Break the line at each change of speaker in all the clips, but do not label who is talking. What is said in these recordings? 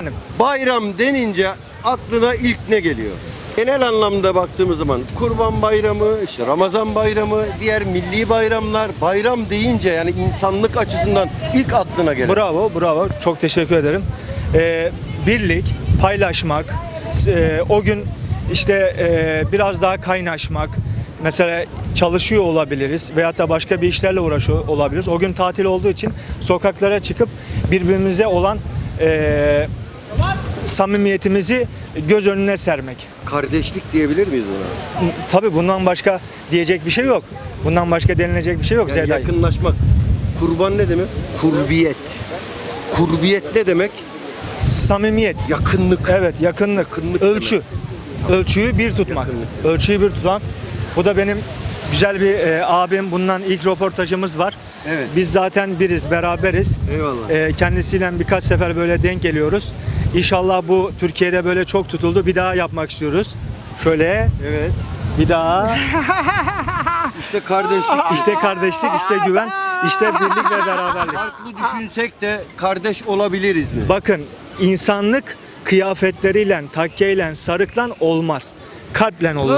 Efendim?
Bayram denince aklına ilk ne geliyor? Genel anlamda baktığımız zaman Kurban Bayramı, işte Ramazan Bayramı, diğer milli bayramlar, bayram deyince yani insanlık açısından ilk aklına gelen.
Bravo, bravo. Çok teşekkür ederim. Birlik, paylaşmak, o gün işte biraz daha kaynaşmak. Mesela çalışıyor olabiliriz veyahut da başka bir işlerle uğraşıyor olabiliriz. O gün tatil olduğu için sokaklara çıkıp birbirimize olan samimiyetimizi göz önüne sermek.
Kardeşlik diyebilir miyiz buna?
Tabii bundan başka diyecek bir şey yok. Bundan başka denilecek bir şey yok.
Yani
Zeday.
yakınlaşmak. Kurban ne demek? Kurbiyet. Kurbiyet ne demek?
Samimiyet.
Yakınlık.
Evet, yakınlık.
Yakınlık
Ölçü. Ölçüyü bir tutmak.
Yakınlık.
Ölçüyü bir tutmak. Bu da benim güzel bir abim. Bundan ilk röportajımız var.
Evet.
Biz zaten biriz, beraberiz.
Eyvallah.
Kendisiyle birkaç sefer böyle denk geliyoruz. İnşallah bu Türkiye'de böyle çok tutuldu. Bir daha yapmak istiyoruz. Şöyle
Evet.
bir daha.
İşte kardeşlik.
İşte kardeşlik, işte güven, işte birlik ve beraberlik.
Farklı düşünsek de kardeş olabiliriz mi?
Bakın, insanlık kıyafetleriyle, takkeyle, sarıkla olmaz. Kalple olur.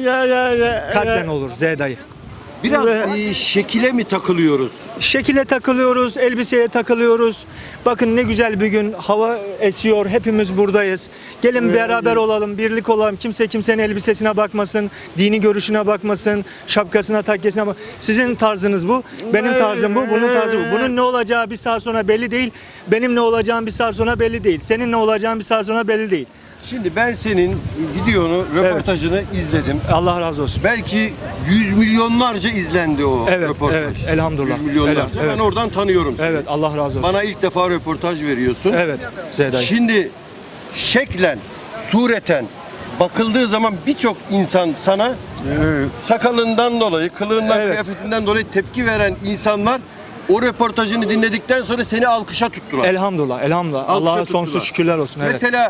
Kalple olur Zeyda'yı.
Biraz şekile mi takılıyoruz?
Şekile takılıyoruz, elbiseye takılıyoruz. Bakın ne güzel bir gün, hava esiyor, hepimiz buradayız. Gelin beraber olalım, birlik olalım. Kimse kimsenin elbisesine bakmasın, dini görüşüne bakmasın, şapkasına, takkesine bak. Sizin tarzınız bu, benim tarzım bu, bunun tarzı bu. Bunun ne olacağı bir saat sonra belli değil. Benim ne olacağım bir saat sonra belli değil. Senin ne olacağın bir saat sonra belli değil.
Şimdi ben senin videonu, röportajını izledim.
Allah razı olsun.
Belki yüz milyonlarca izlendi o
Evet,
röportaj.
evet, elhamdülillah.
Yüz milyonlarca.
Evet.
Ben oradan tanıyorum seni.
Evet, Allah razı olsun.
Bana ilk defa röportaj veriyorsun.
Evet, Zeyda'yı.
Şimdi şeklen, sureten bakıldığı zaman birçok insan sana sakalından dolayı, kılığından,
Evet.
kıyafetinden dolayı tepki veren insanlar o röportajını dinledikten sonra seni alkışa tuttular.
Elhamdülillah, elhamdülillah.
Alkışa
Allah'a
tuttular.
sonsuz şükürler olsun. Evet.
Mesela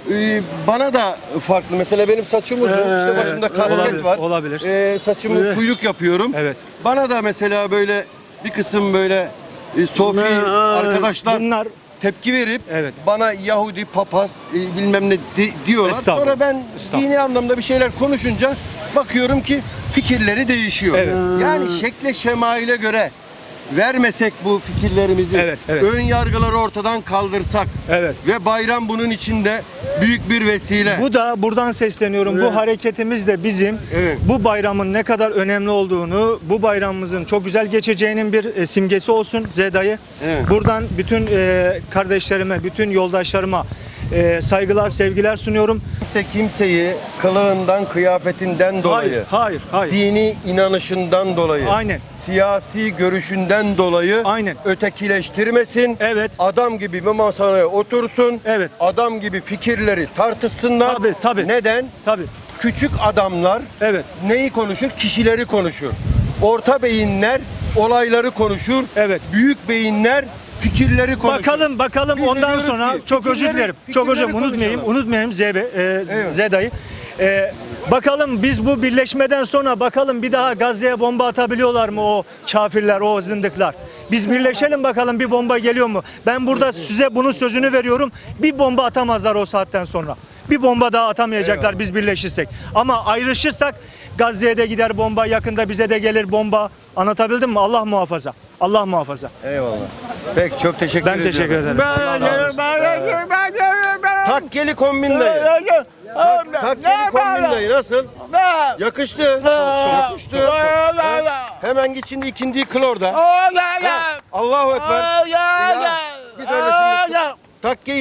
bana da farklı. Mesela benim saçım uzun. İşte başımda kasket
olabilir,
var.
olabilir.
Saçımı kuyruk yapıyorum.
Evet.
Bana da mesela böyle bir kısım böyle Sofi arkadaşlar
Bunlar
tepki verip
evet.
bana Yahudi, papaz bilmem ne diyorlar.
Estağfurullah.
Sonra ben
Estağfurullah.
dini anlamda bir şeyler konuşunca bakıyorum ki fikirleri değişiyor.
Evet.
Yani şekle şemaile göre vermesek bu fikirlerimizi,
Evet, evet.
ön yargıları ortadan kaldırsak
Evet.
ve bayram bunun içinde büyük bir vesile.
Bu da buradan sesleniyorum.
Evet.
Bu hareketimiz de bizim
Evet.
bu bayramın ne kadar önemli olduğunu, bu bayramımızın çok güzel geçeceğinin bir simgesi olsun Zeyda'yı.
Evet.
Buradan bütün kardeşlerime, bütün yoldaşlarıma saygılar, sevgiler sunuyorum.
Kimse kimseyi kılığından, kıyafetinden dolayı,
Hayır.
dini inanışından dolayı,
Aynen.
siyasi görüşünden dolayı
Aynen.
ötekileştirmesin.
Evet.
Adam gibi bir masaya otursun.
Evet.
Adam gibi fikirleri tartışsınlar.
Tabii.
Neden?
Tabii.
Küçük adamlar
Evet.
neyi konuşur? Kişileri konuşur. Orta beyinler olayları konuşur.
Evet.
Büyük beyinler fikirleri konuşur.
Bakalım
Biz de
ondan
diyoruz
sonra
ki,
çok özür dilerim. Çok özür
fikirleri
unutmayayım
Evet.
Zeda'yı. Bakalım biz bu birleşmeden sonra bakalım bir daha Gazze'ye bomba atabiliyorlar mı o kafirler, o zındıklar? Biz birleşelim bakalım bir bomba geliyor mu? Ben burada size bunun sözünü veriyorum. Bir bomba atamazlar o saatten sonra. Bir bomba daha atamayacaklar
Eyvallah.
biz birleşirsek. Ama ayrışırsak Gazze'ye de gider bomba, yakında bize de gelir bomba. Anlatabildim mi? Allah muhafaza. Allah muhafaza.
Eyvallah. Peki çok teşekkür
Ben
ediyorum.
teşekkür ederim. Allah razı olsun.
Takkeli kombin dayı. Takkeli kombin dayı nasıl? Yakıştı. Çok yakıştı. Hemen git şimdi ikindiyi kıl orada. Allahu Ekber. Biz öyle şimdi takkeyi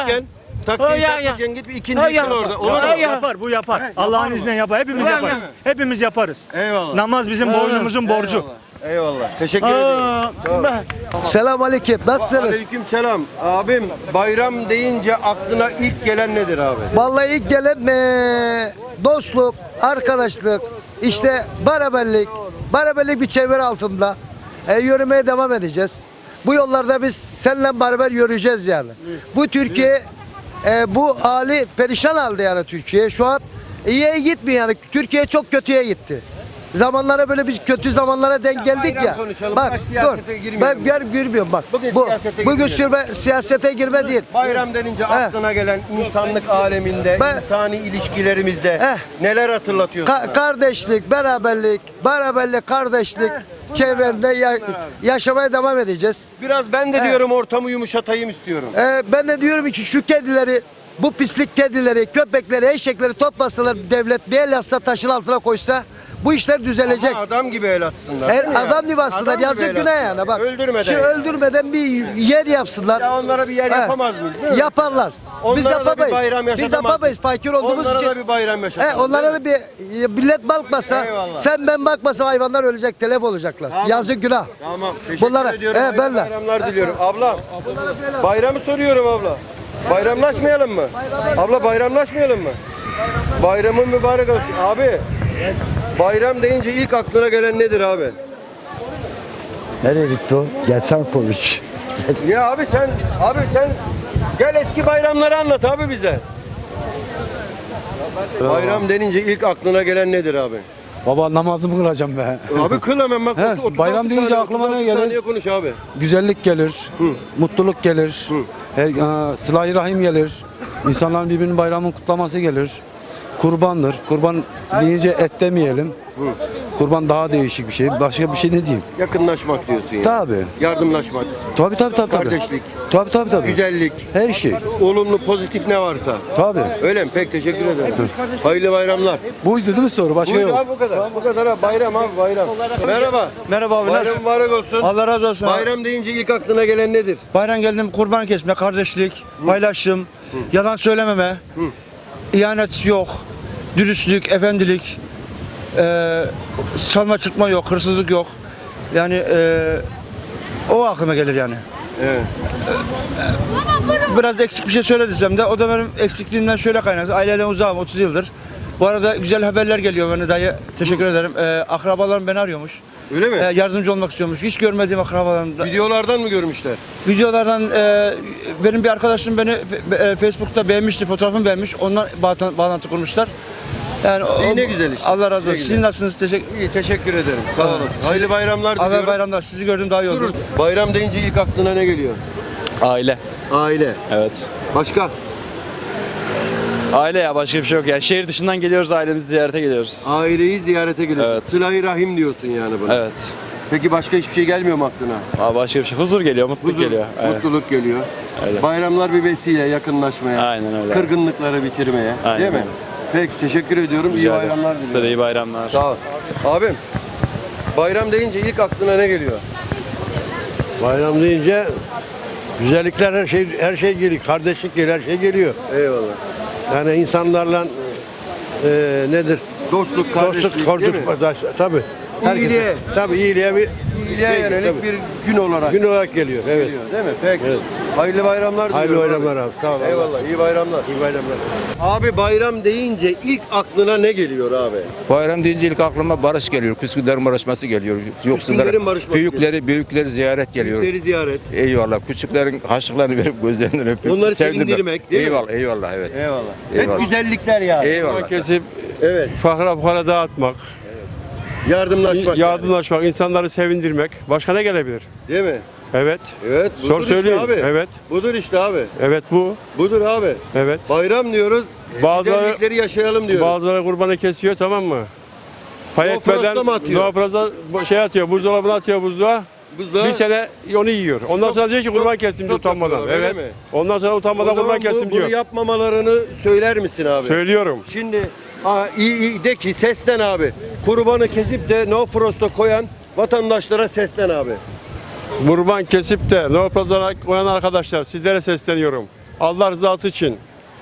takmışken git bir ikindiyi kıl orada. Olur mu?
Bu yapar.
He,
Allah'ın
yapar
izniyle
mı?
yapar. Hepimiz
Yapar
yaparız.
mı?
Hepimiz yaparız.
Eyvallah.
Namaz bizim boynumuzun borcu.
Eyvallah. Teşekkür ediyorum. Tamam.
Selamünaleyküm. Nasılsınız?
Aleyküm selam. Abim bayram deyince aklına ilk gelen nedir abi?
Vallahi ilk gelen dostluk, arkadaşlık, işte beraberlik bir çevre altında yürümeye devam edeceğiz. Bu yollarda biz seninle beraber yürüyeceğiz yani. Bu Türkiye bu hali perişan halde yani Türkiye. Şu an iyiye gitmiyor yani. Türkiye çok kötüye gitti. zamanlara böyle bir kötü zamanlara denk geldik
bayram
ya.
konuşalım,
Bak
bak
dur.
siyasete girmeyelim.
Ben girmiyorum bak.
Bugün
Bu
siyasete
bugün
girmeyelim.
siyasete girme değil.
Bayram denince aklına gelen insanlık aleminde, insani ilişkilerimizde neler hatırlatıyorsun?
Kardeşlik, beraberlik, kardeşlik çevrende yaşamaya devam edeceğiz.
Biraz ben de diyorum ortamı yumuşatayım istiyorum.
Ben de diyorum ki şu kedileri, bu pislik kedileri, köpekleri, eşekleri toplasalar devlet bir el yasla taşın altına koysa bu işler düzelecek.
Ama adam gibi el atsınlar. değil mi
Adam
yani?
gibi aslında
Adam gibi
yazık
el
günah
atsınlar.
yani bak.
Öldürmeden.
Şu öldürmeden bir yer yapsınlar.
Ya onlara bir yer yapamaz mıyız? değil mi?
Yaparlar. Biz
Onlara da bir
yapamayız.
bayram
Biz
yaşatamaz
yapamayız fakir olduğumuz
Onlara
için.
da bir bayram yaşatalım.
Onlara
değil
da bir millet bakmasa,
Eyvallah.
sen ben bakmasa hayvanlar ölecek, telef olacaklar.
Tamam.
Yazık günah.
mi? Tamam. Teşekkür
Bunlara-
ediyorum. Hayırlı
ben de.
bayramlar diliyorum. Abla, bayramı soruyorum abla. Bayramlaşmayalım mı? Abla bayramlaşmayalım mı? Bayramın mübarek olsun. Abi, bayram deyince ilk aklına gelen nedir abi?
Nereye gitti o? Gelsen konuş.
Ya abi sen gel eski bayramları anlat abi bize. Bayram denince ilk aklına gelen nedir abi?
Baba namazımı kılacağım be.
Abi kıl hemen bak.
He,
36
bayram deyince
saniye,
aklıma ne
36
gelir?
saniye konuş abi.
Güzellik gelir,
Hı.
mutluluk gelir, sıla-i rahim gelir, insanların birbirinin bayramını kutlaması gelir. Kurbandır. Kurban deyince et demeyelim.
Hı.
Kurban daha değişik bir şey. Başka bir şey ne diyeyim?
Yakınlaşmak diyorsun ya.
Tabii.
Yardımlaşmak,
Tabii.
kardeşlik,
Tabii.
güzellik,
Her şey.
olumlu, pozitif ne varsa.
Tabii.
Öyle mi? Pek teşekkür ederim. Hayırlı bayramlar.
Buydu değil mi soru? Başka
Buyurun
yok.
abi bu kadar. Bu kadar abi. Bayram abi bayram. Merhaba.
Merhaba abi,
Bayram
nasılsın?
mübarek olsun.
Allah razı olsun.
Bayram deyince ilk aklına gelen nedir?
Bayram geldim, kurban kesme, kardeşlik, paylaşım, yalan söylememe,
Hı.
ihanet yok, dürüstlük, efendilik, çalma çırpma yok, hırsızlık yok. Yani o aklıma gelir yani.
Evet.
Biraz eksik bir şey söylediysem de o da benim eksikliğimden şöyle kaynaklı. Aileden uzağım 30 yıldır. Bu arada güzel haberler geliyor bana dayı. Teşekkür ederim. Akrabalarım beni arıyormuş.
Öyle mi?
Yardımcı olmak istiyormuş. Hiç görmediğim akrabalarım.
Videolardan mı görmüşler?
Videolardan benim bir arkadaşım beni Facebook'ta beğenmişti, fotoğrafımı beğenmiş. Ondan bağlantı kurmuşlar. Yani
İyi, ne güzel işte.
Allah razı
Ne
olsun.
güzel.
Siz nasılsınız?
İyi teşekkür ederim. Sağ olasın. Hayırlı bayramlar diliyorum.
Allah bayramlar. Sizi gördüm daha iyi oldu.
Bayram deyince ilk aklına ne geliyor?
Aile.
Aile.
Evet.
Başka?
Aile ya, başka bir şey yok ya. Şehir dışından geliyoruz, ailemizi ziyarete geliyoruz.
Aileyi ziyarete geliyorsun.
Evet.
Sıla-i rahim diyorsun yani buna.
Evet.
Peki başka hiçbir şey gelmiyor mu aklına?
Aa, başka bir şey. Huzur geliyor, mutluluk
Huzur,
geliyor. Aynen.
mutluluk geliyor.
Öyle.
Bayramlar bir vesile yakınlaşmaya,
Aynen öyle.
kırgınlıkları bitirmeye,
Aynen
değil mi?
öyle.
Peki teşekkür ediyorum. İyi
Rica ederim.
bayramlar
Size de
diliyorum.
iyi bayramlar.
Sağ ol. Abim, bayram deyince ilk aklına ne geliyor?
Bayram deyince güzellikler her şey geliyor. Kardeşlik geliyor, her şey geliyor.
Eyvallah.
Yani insanlarla nedir?
Dostluk, kardeşlik,
Dostluk,
değil mi?
tabii.
İyiliğe.
Tabii iyiliğe bir
İyiliğe yönelik
tabii.
bir gün olarak
gün olarak geliyor. Evet.
geliyor, değil mi? Peki.
Evet.
Hayırlı bayramlar
Hayırlı
diliyorum
bayramlar abi. Sağ ol.
Eyvallah, iyi bayramlar.
İyi bayramlar.
Abi bayram deyince ilk aklına ne geliyor abi?
Bayram deyince ilk aklıma barış geliyor. Küskünlerin barışması geliyor.
Küskünlerin barışması
büyükleri ziyaret geliyor.
Büyükleri ziyaret.
Eyvallah. Küçüklerin harçlıklarını verip gözlerinden öpüp
Onları
sevindirmek.
sevindirmek, değil mi?
Eyvallah evet.
Eyvallah.
Eyvallah.
Hep güzellikler yani.
Eyvallah.
Kesip
Evet.
fakra fukara dağıtmak,
Yardımlaşmak.
yardımlaşmak, insanları sevindirmek. Başka ne gelebilir?
Yani. Değil mi?
Evet.
Evet.
Sor
Budur işte
söyleyeyim.
abi.
Evet.
Budur işte abi.
Evet bu.
Budur abi.
Evet.
Bayram diyoruz.
Bazıları
Güzellikleri yaşayalım diyoruz.
bazıları kurbanı kesiyor, tamam mı? Pay
No
etmeden
frosta mı atıyor?
no frost'a şey atıyor, buzdolabına atıyor buzluğa.
Buzluğa.
Bir sene onu yiyor. Ondan sonra diyor ki kurban kestim diyor
stop
utanmadan.
yapıyorlar,
Evet.
öyle mi?
Ondan sonra
O
utanmadan
zaman
kurban kestim
bunu
diyor.
yapmamalarını söyler misin abi?
Söylüyorum.
Şimdi iyi de ki seslen abi. Kurbanı kesip de no frost'a koyan vatandaşlara seslen abi.
Kurban kesip de no frost'a koyan arkadaşlar sizlere sesleniyorum. Allah rızası için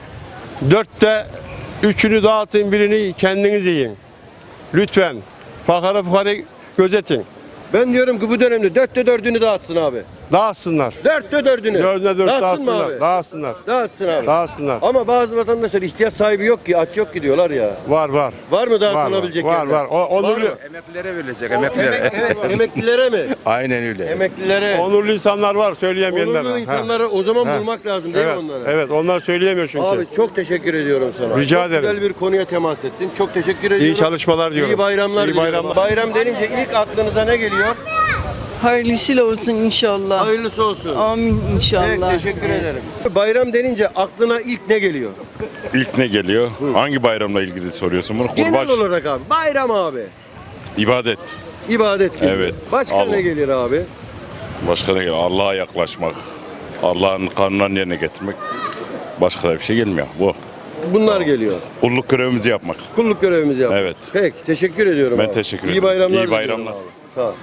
4'te 3'ünü dağıtın, birini kendiniz yiyin. Lütfen. Fakara fukarayı gözetin.
Ben diyorum ki bu dönemde 4'te 4'ünü dağıtsın abi.
Dağıtsınlar.
Dörtte dördünü.
Dördüne dört
Dağıtsın mı
dağıtsınlar.
abi?
Dağıtsınlar.
Dağıtsın abi.
Dağıtsınlar.
Ama bazı vatandaşlar ihtiyaç sahibi yok ki, aç yok ki diyorlar ya.
Var var.
Var mı
Var
dağıtılabilecek
var.
yerler?
Var. Onurlu,
mı?
Emeklilere verilecek, emeklilere.
Evet, emeklilere mi?
Aynen öyle.
Emeklilere.
onurlu insanlar var söyleyemeyenler.
Onurlu
var.
insanları o zaman
Ha.
bulmak lazım değil
Evet.
mi onlara?
Evet, onlar söyleyemiyor çünkü.
Abi çok teşekkür ediyorum sana.
Rica
çok
ederim.
güzel bir konuya temas ettin. Çok teşekkür ediyorum.
İyi çalışmalar diyorum.
İyi bayramlar
İyi
diliyorum.
bayramlar.
Bayram denince ilk aklınıza ne geliyor?
Hayırlısıyla olsun inşallah.
Hayırlısı olsun.
Amin inşallah.
Evet, teşekkür ederim. Bayram denince aklına ilk ne geliyor?
İlk ne geliyor? Hangi bayramla ilgili soruyorsun bunu?
Genel
Kurban,
olarak abi. Bayram abi.
ibadet.
İbadet geliyor.
Evet.
Başka
Allah.
ne gelir abi?
Başka ne geliyor? Allah'a yaklaşmak. Allah'ın kanunlarını yerine getirmek. Başka da bir şey gelmiyor. Bu.
Bunlar geliyor.
Kulluk görevimizi yapmak.
Kulluk görevimizi yapmak.
Evet.
Peki, teşekkür ediyorum
Ben
abi.
teşekkür
İyi
ederim.
bayramlar
İyi
diliyorum
bayramlar.
abi. Sağ ol.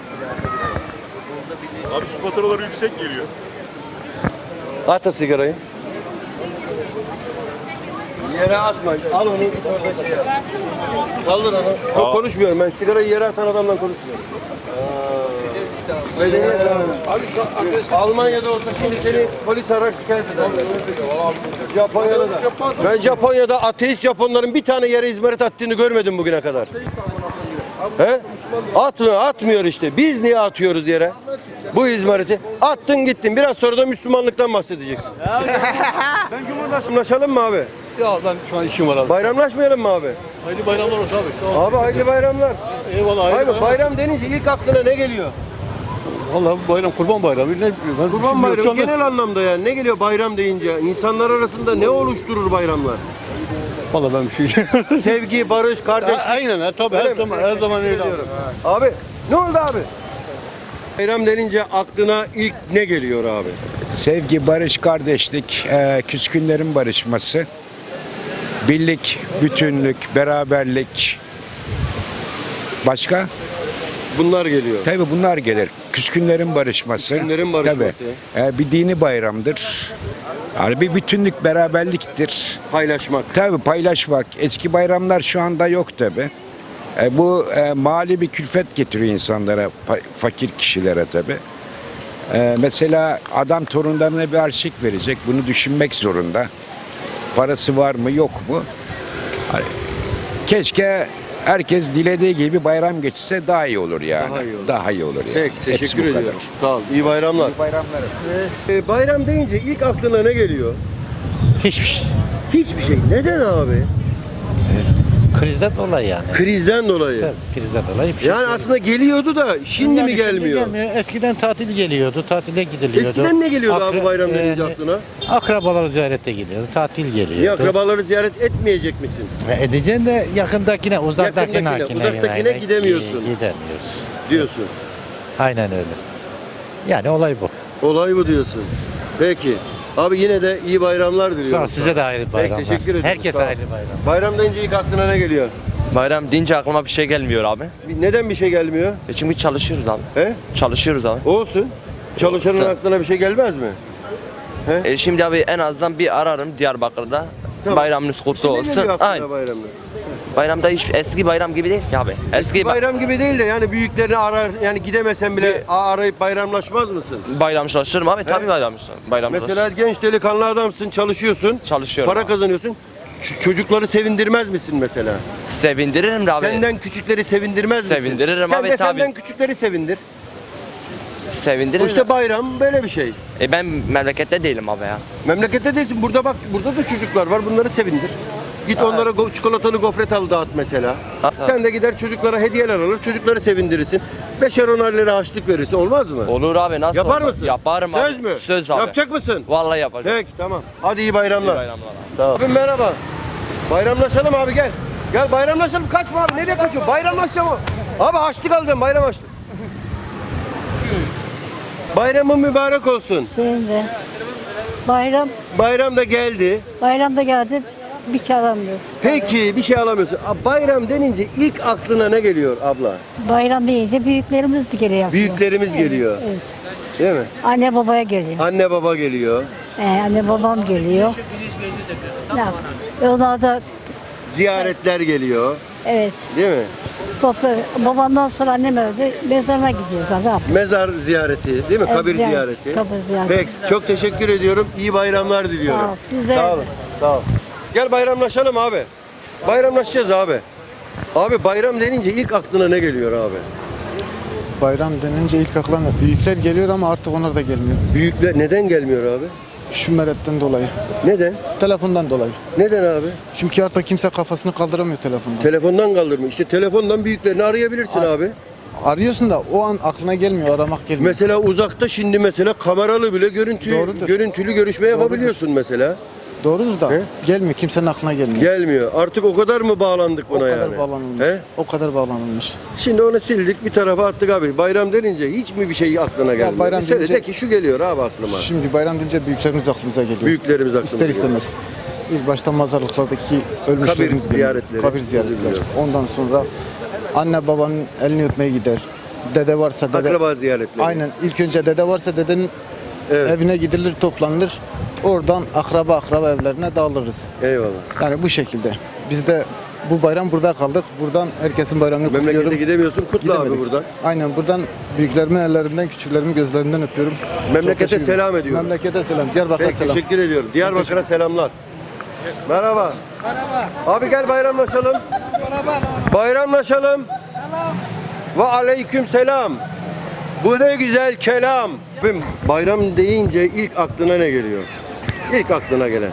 Abi şu faturalar yüksek geliyor.
At o sigarayı. Yere atma. Al onu git orada şey yap. Kaldır onu. Yok, konuşmuyorum ben. Sigarayı yere atan adamdan konuşmuyorum. Almanya'da olsa şimdi seni polis arar şikayet eder. Japonya'da da. Ben Japonya'da ateist Japonların bir tane yere izmarit attığını görmedim bugüne kadar. He? Atmıyor işte. Biz niye atıyoruz yere? Bu izmariti. Attın gittin. Biraz sonra da Müslümanlıktan bahsedeceksin. Ben Cumhurbaşkanılaşalım mı abi?
Ya ben şu an işim var abi.
Bayramlaşmayalım mı abi?
Hayırlı bayramlar olsun abi.
Abi hayırlı bayramlar.
Eyvallah.
Abi bayram denince ilk aklına ne geliyor?
Vallahi bayram kurban bayramı. Ne, ben
Kurban bayramı genel anlamda yani. Ne geliyor bayram deyince? İnsanlar arasında ne oluşturur bayramlar?
Vallahi ben bir şey.
Sevgi, barış, kardeşlik.
Aynen tabii
Öyle
her
mi?
zaman her zaman öyle.
Ediyorum. Abi ne oldu abi? Bayram denince aklına ilk ne geliyor abi?
Sevgi, barış, kardeşlik, küskünlerin barışması, birlik, bütünlük, beraberlik. Başka?
Bunlar geliyor.
Tabii bunlar gelir. Küskünlerin barışması.
Küskünlerin barışması.
Tabii. Bir dini bayramdır. Yani bir bütünlük, beraberliktir.
Paylaşmak.
Tabii paylaşmak. Eski bayramlar şu anda yok tabii. Bu mali bir külfet getiriyor insanlara, fakir kişilere tabii. Mesela adam torunlarına bir harçlık verecek. Bunu düşünmek zorunda. Parası var mı yok mu? Hani keşke herkes dilediği gibi bayram geçse daha iyi olur yani.
Daha iyi olur.
Daha iyi olur yani.
Peki,
Hepsi
teşekkür
bu kadar.
ediyorum. Sağ ol. İyi bayramlar.
İyi bayramlar.
Bayram deyince ilk aklına ne geliyor?
Hiçbir şey.
Hiçbir şey. Neden abi?
Krizden dolayı yani.
Krizden dolayı.
Tabii, krizden dolayı bir şey.
Yani aslında geliyordu da şimdi mi gelmiyor?
Eskiden tatil geliyordu, tatile gidiliyordu.
Eskiden ne geliyordu abi bayram denince aklına?
Akrabaları ziyarete gidiyordu, tatil geliyordu.
Niye akrabaları ziyaret etmeyecek misin?
Edeceksin de yakındakine, uzaktakine
gidemiyorsun.
Gidemiyoruz.
Diyorsun.
Aynen öyle. Yani olay bu.
Olay bu diyorsun. Peki. Abi yine de iyi bayramlar diliyorum.
Sağ ol, size de hayırlı bayramlar.
Peki, teşekkür ederim.
Herkese
Sağ ol.
hayırlı bayram.
Bayram deyince ilk aklına ne geliyor?
Bayram deyince aklıma bir şey gelmiyor abi.
Neden bir şey gelmiyor?
Çünkü çalışıyoruz abi.
He?
Çalışıyoruz abi.
Olsun. Çalışanın
Olsun.
aklına bir şey gelmez mi?
Şimdi abi en azından bir ararım Diyarbakır'da.
Tamam.
Bayramınız kutlu
Senin ne
olsun.
geliyor aklına
Aynen.
bayramda?
Bayramda hiç eski bayram gibi değil ki abi. Eski
Bayram gibi değil de yani büyüklerini arar yani gidemesen bile arayıp bayramlaşmaz mısın?
bayramlaşırım abi. Tabii bayramlaşırım.
Mesela genç delikanlı adamsın, çalışıyorsun,
çalışıyorum.
para
abi.
kazanıyorsun. Çocukları sevindirmez misin mesela?
Sevindiririm de abi.
Senden küçükleri sevindirmez misin?
Sevindiririm
Sen
abi,
de
tabii.
senden küçükleri sevindir.
Sevindiririm.
İşte bayram böyle bir şey.
Ben memlekette değilim abi ya.
Memlekette değilsin. Burada bak, burada da çocuklar var. Bunları sevindir. Git onlara çikolatalı gofret al dağıt mesela. Sen de gider çocuklara hediyeler alır. Çocukları sevindirirsin. 5'er 10'ar lira harçlık verirsin. Olmaz mı?
Olur abi, nasıl
Yapar
olmaz?
mısın?
Yaparım abi.
Söz mü?
Söz abi.
Yapacak mısın?
Vallahi yapacağım.
Peki, tamam. Hadi iyi bayramlar.
İyi bayramlar abi.
Tamam. Abim merhaba. Bayramlaşalım abi, gel. Gel bayramlaşalım. Kaçma abi. Nereye kaçıyorsun? Bayramlaşacağım o. Abi harçlık alacağım. Bayram harçlık. Bayramın mübarek olsun.
Senin de.
Bayram da geldi.
Bayramda geldi. Bir şey alamıyoruz.
Peki bir şey alamıyorsun. Bayram denince ilk aklına ne geliyor abla?
Bayram deyince büyüklerimiz de geliyor.
Büyüklerimiz geliyor.
Evet.
Değil mi?
Anne babaya geliyor.
Anne baba geliyor.
Anne babam geliyor. Ne yap? Onlar da
Ziyaretler geliyor.
Evet.
Değil mi?
Babamdan sonra annem öldü. Mezarına gidiyoruz abi.
Mezar ziyareti değil mi?
Evet,
Kabir
ziyaret,
ziyareti.
kabir ziyareti.
Peki çok teşekkür ediyorum. İyi bayramlar diliyorum.
Sağ ol, siz de
Sağ
öyle.
olun. Sağ ol. Gel bayramlaşalım abi. Bayramlaşacağız abi. Abi bayram denince ilk aklına ne geliyor abi?
Bayram denince ilk aklıma büyükler geliyor ama artık onlar da gelmiyor.
Büyükler neden gelmiyor abi?
Şu meretten dolayı.
Neden?
Telefondan dolayı.
Neden abi?
Çünkü artık kimse kafasını kaldıramıyor telefondan.
Telefondan kaldırma. İşte telefondan büyüklerini arayabilirsin abi.
Arıyorsun da o an aklına gelmiyor, aramak gelmiyor.
Mesela uzakta şimdi mesela kameralı bile
Doğrudur.
görüntülü görüşme
Doğrudur.
yapabiliyorsun mesela.
Doğrudur da
He?
gelmiyor, kimsenin aklına gelmiyor.
Gelmiyor. Artık o kadar mı bağlandık
O
buna
kadar
yani?
bağlanılmış.
He?
O kadar bağlanılmış.
Şimdi onu sildik bir tarafa attık abi. Bayram denince hiç mi bir şey aklına gelmiyor?
bayram
Bir söyle
deyince-
de ki şu geliyor abi aklıma.
Şimdi bayram deyince büyüklerimiz aklımıza geliyor.
Büyüklerimiz aklına
İster
geliyor.
istemez. İlk başta mazarlıklardaki ölmüşlerimiz
Kabir ziyaretleri.
Kabir ziyaretler.
Biliyorum.
Ondan sonra anne babanın elini öpmeye gider. Dede varsa dede.
Akraba ziyaretleri.
Aynen. İlk önce dede varsa dedenin
Evet.
evine gidilir, toplanılır. Oradan akraba evlerine dağılırız.
Eyvallah.
Yani bu şekilde. Biz de bu bayram burada kaldık. Buradan herkesin bayramını
Memlekete
kutluyorum.
gidemiyorsun. Kutla abi
Gidemedik.
buradan.
Aynen buradan büyüklerimin ellerinden, küçüklerimin gözlerinden öpüyorum.
Memlekete
Çok teşekkür
selam
ederim.
ediyorum.
Memlekete selam. Diyarbakır'a
Peki,
selam.
teşekkür ediyorum. Diyarbakır'a selamlar. Merhaba. Merhaba. Abi gel bayramlaşalım. Bayramlaşalım. Selam. Ve aleyküm selam. Bu ne güzel kelam. Bayram deyince ilk aklına ne geliyor? İlk aklına gelen.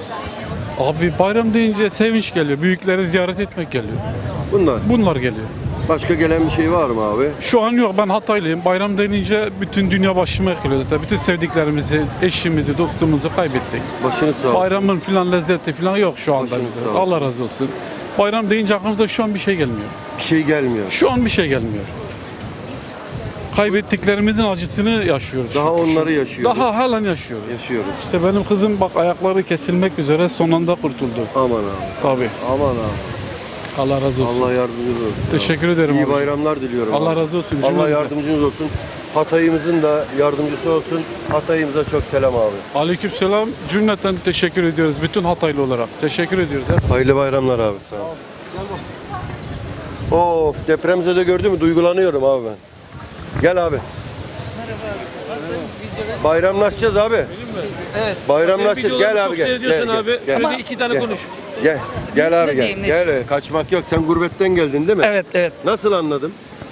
Abi bayram deyince sevinç geliyor. Büyükleri ziyaret etmek geliyor. Bunlar geliyor.
Başka gelen bir şey var mı abi?
Şu an yok. Ben Hataylıyım. Bayram denince bütün dünya başıma yıkılıyor zaten. Bütün sevdiklerimizi, eşimizi, dostumuzu kaybettik.
Başınız sağ olsun.
Bayramın filan lezzeti filan yok şu anda
Başınız
bize.
sağ olsun.
Allah razı olsun. Bayram deyince aklımıza şu an bir şey gelmiyor.
Bir şey gelmiyor.
Şu an bir şey gelmiyor. Kaybettiklerimizin acısını yaşıyoruz.
Daha
şükür.
onları yaşıyoruz.
Daha halen yaşıyoruz.
Yaşıyoruz.
İşte benim kızım bak ayakları kesilmek üzere son anda kurtuldu.
Aman abi.
Tabii.
Aman abi.
Allah razı olsun.
Allah yardımcınız olsun.
Teşekkür ederim
İyi
abi.
bayramlar diliyorum.
Allah
abi.
razı olsun.
Allah
Cümlemize.
yardımcınız olsun. Hatay'ımızın da yardımcısı olsun. Hatay'ımıza çok selam abi.
Aleykümselam. Cümleten teşekkür ediyoruz. Bütün Hataylı olarak. Teşekkür ediyoruz.
Hayırlı bayramlar abi. Sağ ol. Of, depremzede gördün mü? Duygulanıyorum abi ben. Gel abi. Bayramlaşacağız abi.
Evet.
Bayramlaşacağız. Gel abi gel.
Seyrediyorsun
Gel,
abi.
gel,
Şöyle
gel.
iki tane
Gel.
konuş.
Gel abi
Ne
gel.
diyeyim, ne
Gel. Kaçmak yok. Sen gurbetten geldin değil mi?
Evet, evet.
Nasıl anladım?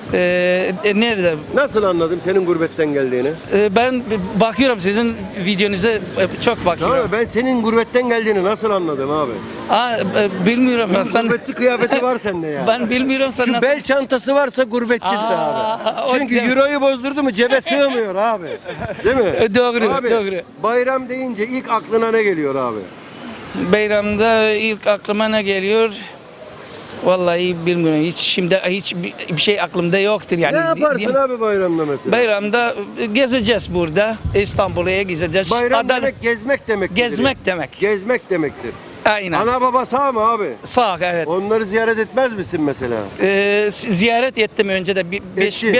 Nerede?
Nasıl anladım senin gurbetten geldiğini?
Ben bakıyorum sizin videonuza çok bakıyorum.
Tamam, ben senin gurbetten geldiğini nasıl anladım abi?
Bilmiyorum ben.
Sen gurbetçi kıyafeti var sende ya.
Ben bilmiyorum sen
Şu
nasıl.
bel çantası varsa gurbetçidir
Aa,
abi.
o
Çünkü
değil mi?
euroyu bozdurdu mu cebe sığmıyor abi. Değil mi?
Doğru,
Abi,
doğru.
bayram deyince ilk aklına ne geliyor abi?
Bayramda ilk aklıma ne geliyor? Vallahi bilmiyorum. Hiç bir şey aklımda yoktur yani.
Ne yaparsın
Diyeyim.
abi bayramda mesela?
Bayramda gezeceğiz burada. İstanbul'a gezeceğiz.
Bayram demek gezmek demektir.
Gezmek demek.
Gezmek demektir.
Aynen.
Ana baba sağ mı abi?
Sağ evet.
Onları ziyaret etmez misin mesela?
Ziyaret ettim önce de
Ettin.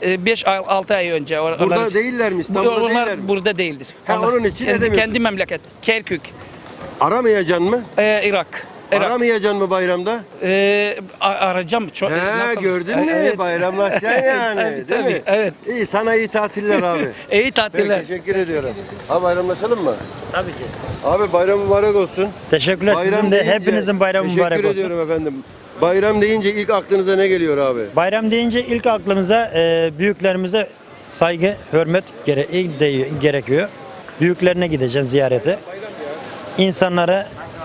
5-6 ay önce.
Burada değiller mi? İstanbul'da değiller
Onlar
mi?
burada değildir.
Ha, onun için edemiyorsun.
kendi memleket. Kerkük.
Aramayacaksın mı?
Irak.
Aramayacaksın mı bayramda?
Arayacağım.
He, gördün mü? Bayramlaşacaksın yani.
Evet,
değil
tabii,
mi?
evet.
İyi, sana iyi tatiller abi.
İyi tatiller.
Peki, teşekkür ediyorum. Abi bayramlaşalım mı?
Tabii ki.
Abi bayram mübarek olsun.
Teşekkürler. Sizin de
deyince-
hepinizin bayramı mübarek
Teşekkür
olsun.
ediyorum efendim. Bayram deyince ilk aklınıza ne geliyor abi?
Bayram deyince ilk aklımıza büyüklerimize saygı, hürmet gerekiyor. Büyüklerine gideceğiz ziyarete. İnsanlara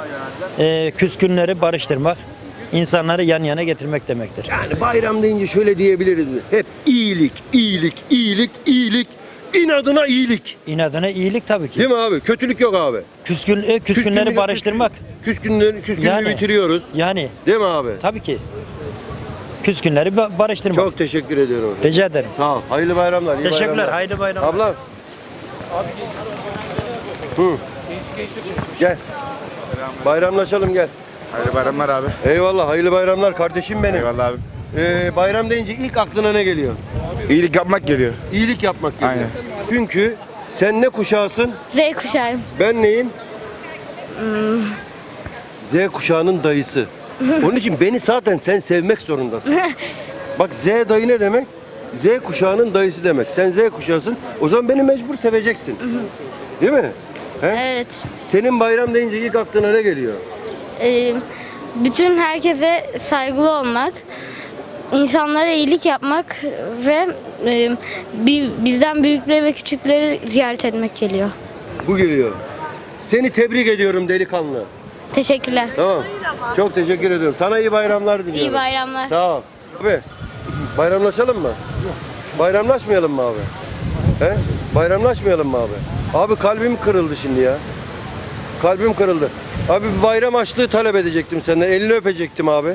küskünleri barıştırmak, insanları yan yana getirmek demektir.
Yani bayram deyince şöyle diyebiliriz mi? Hep iyilik, iyilik, iyilik, iyilik. İnadına iyilik.
İnadına iyilik tabii ki.
Değil mi abi? Kötülük yok abi.
Küskünleri barıştırmak.
Küskünlüğü
Yani.
bitiriyoruz.
Yani
Değil mi abi?
tabii ki. Küskünleri barıştırmak.
Çok teşekkür ediyorum.
Rica ederim.
Sağ ol. Hayırlı bayramlar. iyi
Teşekkürler.
bayramlar.
Hayırlı bayramlar.
Ablam. Hı. Gel. Bayramlaşalım gel.
Hayırlı bayramlar abi.
Eyvallah. Hayırlı bayramlar kardeşim benim.
Eyvallah abi.
Bayram deyince ilk aklına ne geliyor?
İyilik yapmak geliyor.
İyilik yapmak geliyor.
Aynen.
Çünkü sen ne kuşağısın?
Z kuşağım.
Ben neyim? Z kuşağının dayısı. Onun için beni zaten sen sevmek zorundasın. Bak Z dayı ne demek? Z kuşağının dayısı demek. Sen Z kuşağısın. O zaman beni mecbur seveceksin. Değil mi? He?
Evet.
Senin bayram deyince ilk aklına ne geliyor?
Bütün herkese saygılı olmak, insanlara iyilik yapmak ve bizden büyükleri ve küçükleri ziyaret etmek geliyor.
Bu geliyor. Seni tebrik ediyorum delikanlı.
Teşekkürler.
Tamam. Çok teşekkür ediyorum. Sana iyi bayramlar diliyorum.
İyi bayramlar.
Sağ ol. Abi bayramlaşalım mı? Bayramlaşmayalım mı abi? He? Bayramlaşmayalım mı abi? Abi kalbim kırıldı şimdi ya. Kalbim kırıldı. Abi bir bayram açlığı talep edecektim senden. Elini öpecektim abi.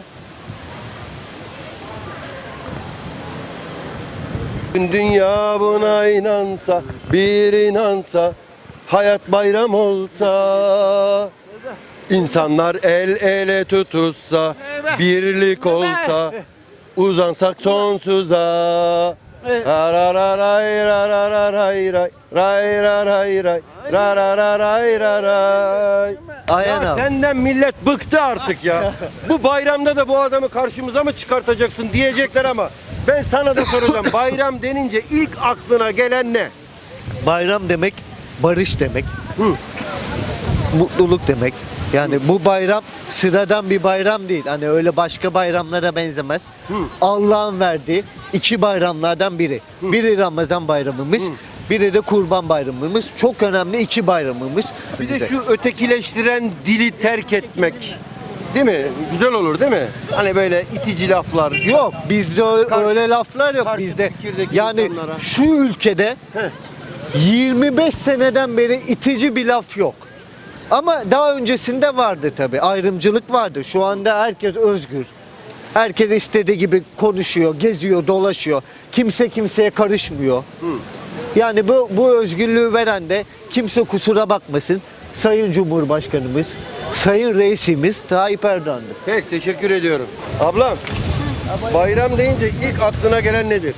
Dünya buna inansa, bir inansa, hayat bayram olsa, insanlar el ele tutuşsa, birlik olsa, uzansak sonsuza. Rarararay, rarararay, ray, rayraray, ray, rarararay, raray.
Aynen
Ya
abi.
senden millet bıktı artık ya. Bu bayramda da bu adamı karşımıza mı çıkartacaksın diyecekler ama ben sana da soracağım. Bayram denince ilk aklına gelen ne?
Bayram demek barış demek.
Hı.
Mutluluk demek. Yani bu bayram sıradan bir bayram değil. Hani öyle başka bayramlara benzemez.
Hı.
Allah'ın verdiği iki bayramlardan biri.
Hı.
Biri Ramazan bayramımız,
Hı.
biri de Kurban bayramımız. Çok önemli iki bayramımız.
Bir de şu ötekileştiren dili terk etmek. Değil mi? Güzel olur değil mi? Hani böyle itici laflar.
Yok bizde öyle laflar yok
karşı
bizde.
fikirdeki
Yani
insanlara.
şu ülkede 25 seneden beri itici bir laf yok. Ama daha öncesinde vardı tabii. Ayrımcılık vardı. Şu anda herkes özgür. Herkes istediği gibi konuşuyor, geziyor, dolaşıyor. Kimse kimseye karışmıyor.
Hı.
Yani bu özgürlüğü veren de kimse kusura bakmasın. Sayın Cumhurbaşkanımız, Sayın Reisimiz Tayyip Erdoğan'dır.
Peki teşekkür ediyorum. Ablam bayram deyince ilk aklına gelen nedir?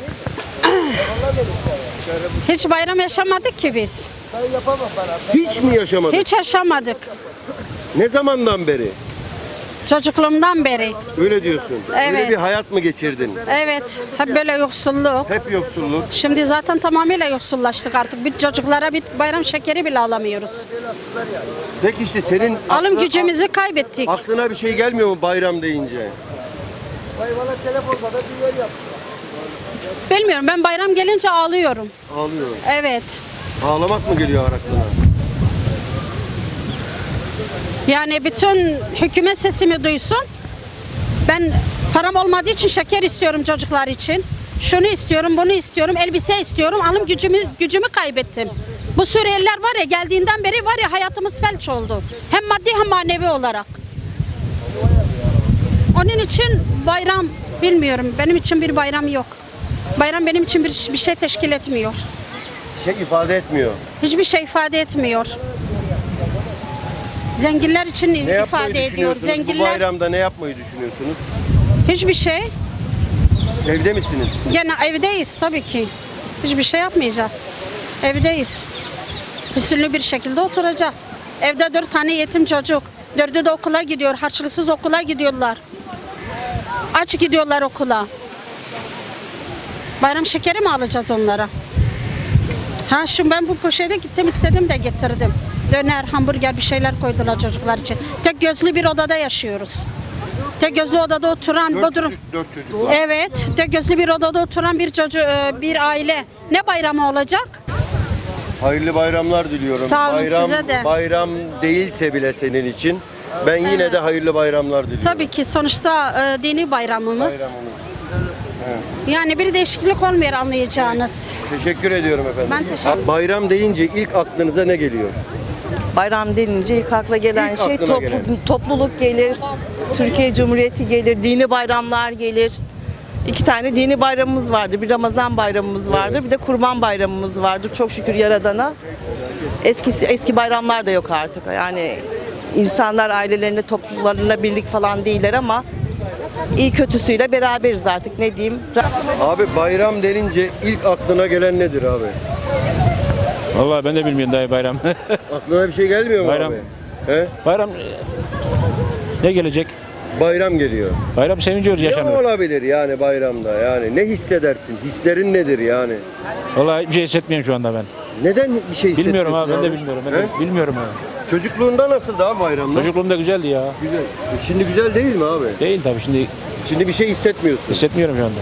Hiç bayram yaşamadık ki biz.
Hiç mi yaşamadın?
Hiç yaşamadık.
Ne zamandan beri?
Çocukluğumdan beri.
Öyle diyorsun. Öyle
Evet.
bir hayat mı geçirdin?
Evet. Hep böyle yoksulluk.
Hep yoksulluk.
Şimdi zaten tamamıyla yoksullaştık artık. Bir çocuklara bir bayram şekeri bile alamıyoruz.
Peki işte senin
Alım gücümüzü kaybettik.
aklına bir şey gelmiyor mu bayram deyince?
Bilmiyorum, ben bayram gelince ağlıyorum.
Ağlıyorum.
Evet.
Ağlamak mı geliyor aklına?
Yani bütün hükümet sesimi duysun. Ben param olmadığı için şeker istiyorum çocuklar için. Şunu istiyorum, bunu istiyorum, elbise istiyorum. Alım gücümü kaybettim. Bu Suriyeliler var ya, geldiğinden beri var ya, hayatımız felç oldu. Hem maddi hem manevi olarak. Onun için bayram bilmiyorum. Benim için bir bayram yok. Bayram benim için bir şey teşkil etmiyor.
Şey ifade etmiyor.
Hiçbir şey ifade etmiyor. Zenginler için
Ne yapmayı
ifade ediyor.
düşünüyorsunuz? Bu
Zenginler
bayramda ne yapmayı düşünüyorsunuz?
hiçbir şey.
Evde misiniz?
Gene evdeyiz tabii ki. Hiçbir şey yapmayacağız. Evdeyiz. Hüsnü bir şekilde oturacağız. Evde 4 tane yetim çocuk. 4'ü de okula gidiyor. Harçlıksız okula gidiyorlar. Aç gidiyorlar okula. Bayram şekeri mi alacağız onlara? Ha şu ben bu poşete gittim, istedim de getirdim. Döner, hamburger bir şeyler koydular çocuklar için. Tek gözlü bir odada yaşıyoruz. Tek gözlü odada oturan
Dört
Bodrum.
çocuk var.
Evet, tek gözlü bir odada oturan bir aile. Ne bayramı olacak?
Hayırlı bayramlar diliyorum.
Sağ olun,
bayram,
size de.
Bayram değilse bile senin için. Ben yine
Evet.
de hayırlı bayramlar diliyorum.
Tabii ki sonuçta dini bayramımız.
Bayramımız. Evet.
Yani bir değişiklik olmuyor, anlayacağınız.
Teşekkür ediyorum efendim.
Ben teşekkür-
Bayram deyince ilk aklınıza ne geliyor?
Bayram denince ilk akla gelen
İlk
şey
aklına gelen.
topluluk gelir, Türkiye Cumhuriyeti gelir, dini bayramlar gelir. 2 tane dini bayramımız vardı. Bir Ramazan bayramımız vardı, bir de Kurban bayramımız vardı. Çok şükür Yaradan'a. Eski bayramlar da yok artık. Yani insanlar ailelerine, topluluklarına birlik falan değiller ama iyi kötüsüyle beraberiz artık, ne diyeyim.
Abi bayram denince ilk aklına gelen nedir abi?
Vallahi ben de bilmiyorum dayı bayram.
Aklına bir şey gelmiyor mu
Bayram.
abi? He?
Bayram ne gelecek?
Bayram geliyor.
Bayram sevinci
Ne olabilir yani bayramda? Yani ne hissedersin? Hislerin nedir yani?
Vallahi hiçbir şey hissetmiyorum şu anda ben.
Neden bir şey hissetmiyorsun
Bilmiyorum abi, ben de bilmiyorum.
He?
Bilmiyorum abi.
Çocukluğunda nasıl daha bayramda?
Çocukluğumda güzeldi ya.
Güzel. Şimdi güzel değil mi abi?
Değil tabii, şimdi
Şimdi bir şey hissetmiyorsun.
hissetmiyorum şu anda.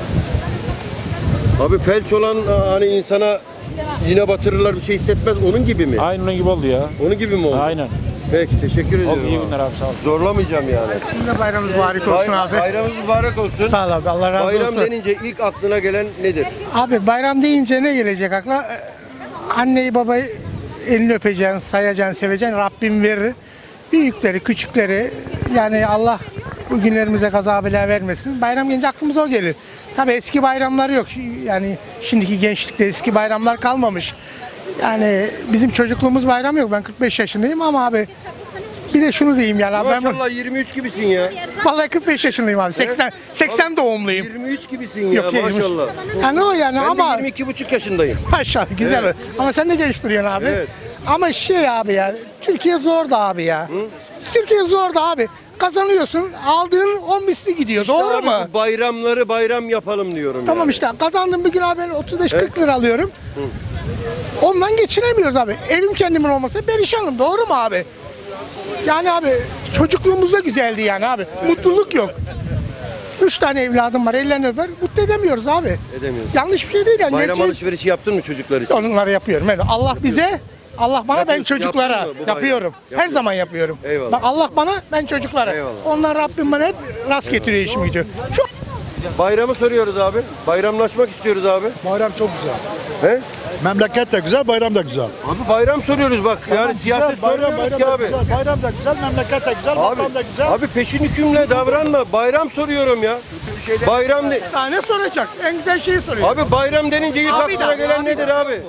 Abi felç olan hani insana yine batırırlar bir şey hissetmez onun gibi mi?
Aynı onun gibi oldu ya.
Onun gibi mi oldu?
Aynen.
Peki teşekkür ediyorum.
Oldu, iyi
abi.
günler abi, sağ ol.
Zorlamayacağım yani.
Şimdi bayramınız mübarek olsun abi.
Bayramınız mübarek olsun.
Sağ ol abi, Allah razı
Bayram
olsun.
denince ilk aklına gelen nedir?
Abi bayram deyince ne gelecek akla? Anneyi babayı elini öpeceksin, sayacaksın, seveceksin. Rabbim verir. Büyükleri, küçükleri yani Allah bu günlerimize kaza bela vermesin. Bayram gelince aklımıza o gelir. Tabii eski bayramlar yok. Yani şimdiki gençlikte eski bayramlar kalmamış. Yani bizim çocukluğumuz bayram yok. Ben 45 yaşındayım ama abi bir de şunu diyeyim yani abi.
Maşallah 23 gibisin ya.
Vallahi 45 yaşındayım abi. 80 doğumluyum.
23 gibisin ya
Yok, 23.
maşallah.
Yani o yani
Ben
ama
de 22,5 yaşındayım.
maşallah güzel.
Evet.
Ama sen de genç duruyorsun abi.
Evet.
Ama şey abi ya Türkiye zor da abi ya.
Hı?
Türkiye zor da abi. Kazanıyorsun aldığın 10 misli gidiyor.
İşte
doğru
abi
mu?
bu bayramları bayram yapalım diyorum
Tamam
yani.
işte kazandığım bir gün abi ben 35-40 lira alıyorum.
Hı.
Ondan geçinemiyoruz abi. Evim kendimin olmasa perişanım. Doğru mu abi? Yani abi çocukluğumuzda güzeldi yani abi. Mutluluk yok. 3 tane evladım var. Ellerini öper. Mutlu edemiyoruz abi.
Edemiyoruz.
Yanlış bir şey değil yani.
Bayram
Herkes-
alışverişi yaptın mı çocuklar için?
Onları yapıyorum. Evet. Allah bize, Allah bana, ben
Yapıyorsun,
çocuklara
yaptın mı bu bayram?
yapıyorum. Her
Yapıyorsun.
zaman yapıyorum.
Eyvallah.
Bak Allah bana, ben çocuklara.
Eyvallah.
Onlar Rabbim bana hep rast getiriyor işimi gücü. Çok
Bayramı soruyoruz abi. Bayramlaşmak istiyoruz abi.
Bayram çok güzel.
He?
Memleket de güzel, bayram da güzel.
Abi bayram soruyoruz bak. Yani siyaset sormuyoruz ki abi.
Bayram da güzel, memleket de güzel,
Abi peşin hükümle davranma. Bayram soruyorum ya. Bayram de...
daha ne soracak? En güzel şeyi soruyor.
Abi bayram denince ilk
Abi
aklına
de,
gelen
abi de.
nedir abi?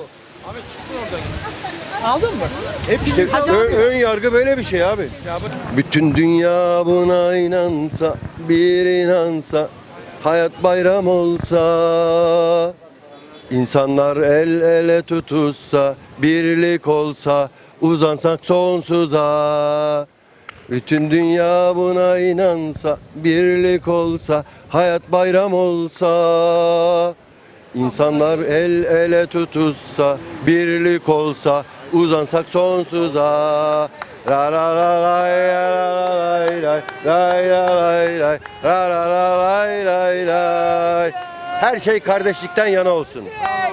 Aldın mı?
İşte ön yargı böyle bir şey abi. Bütün dünya buna inansa, bir inansa, hayat bayram olsa, insanlar el ele tutuşsa, birlik olsa, uzansak sonsuza. Bütün dünya buna inansa, birlik olsa, hayat bayram olsa. İnsanlar el ele tutuşsa, birlik olsa, uzansak sonsuza. La la la lay la la lay lay lay la lay lay la la la lay lay lay. Her şey kardeşlikten yana olsun.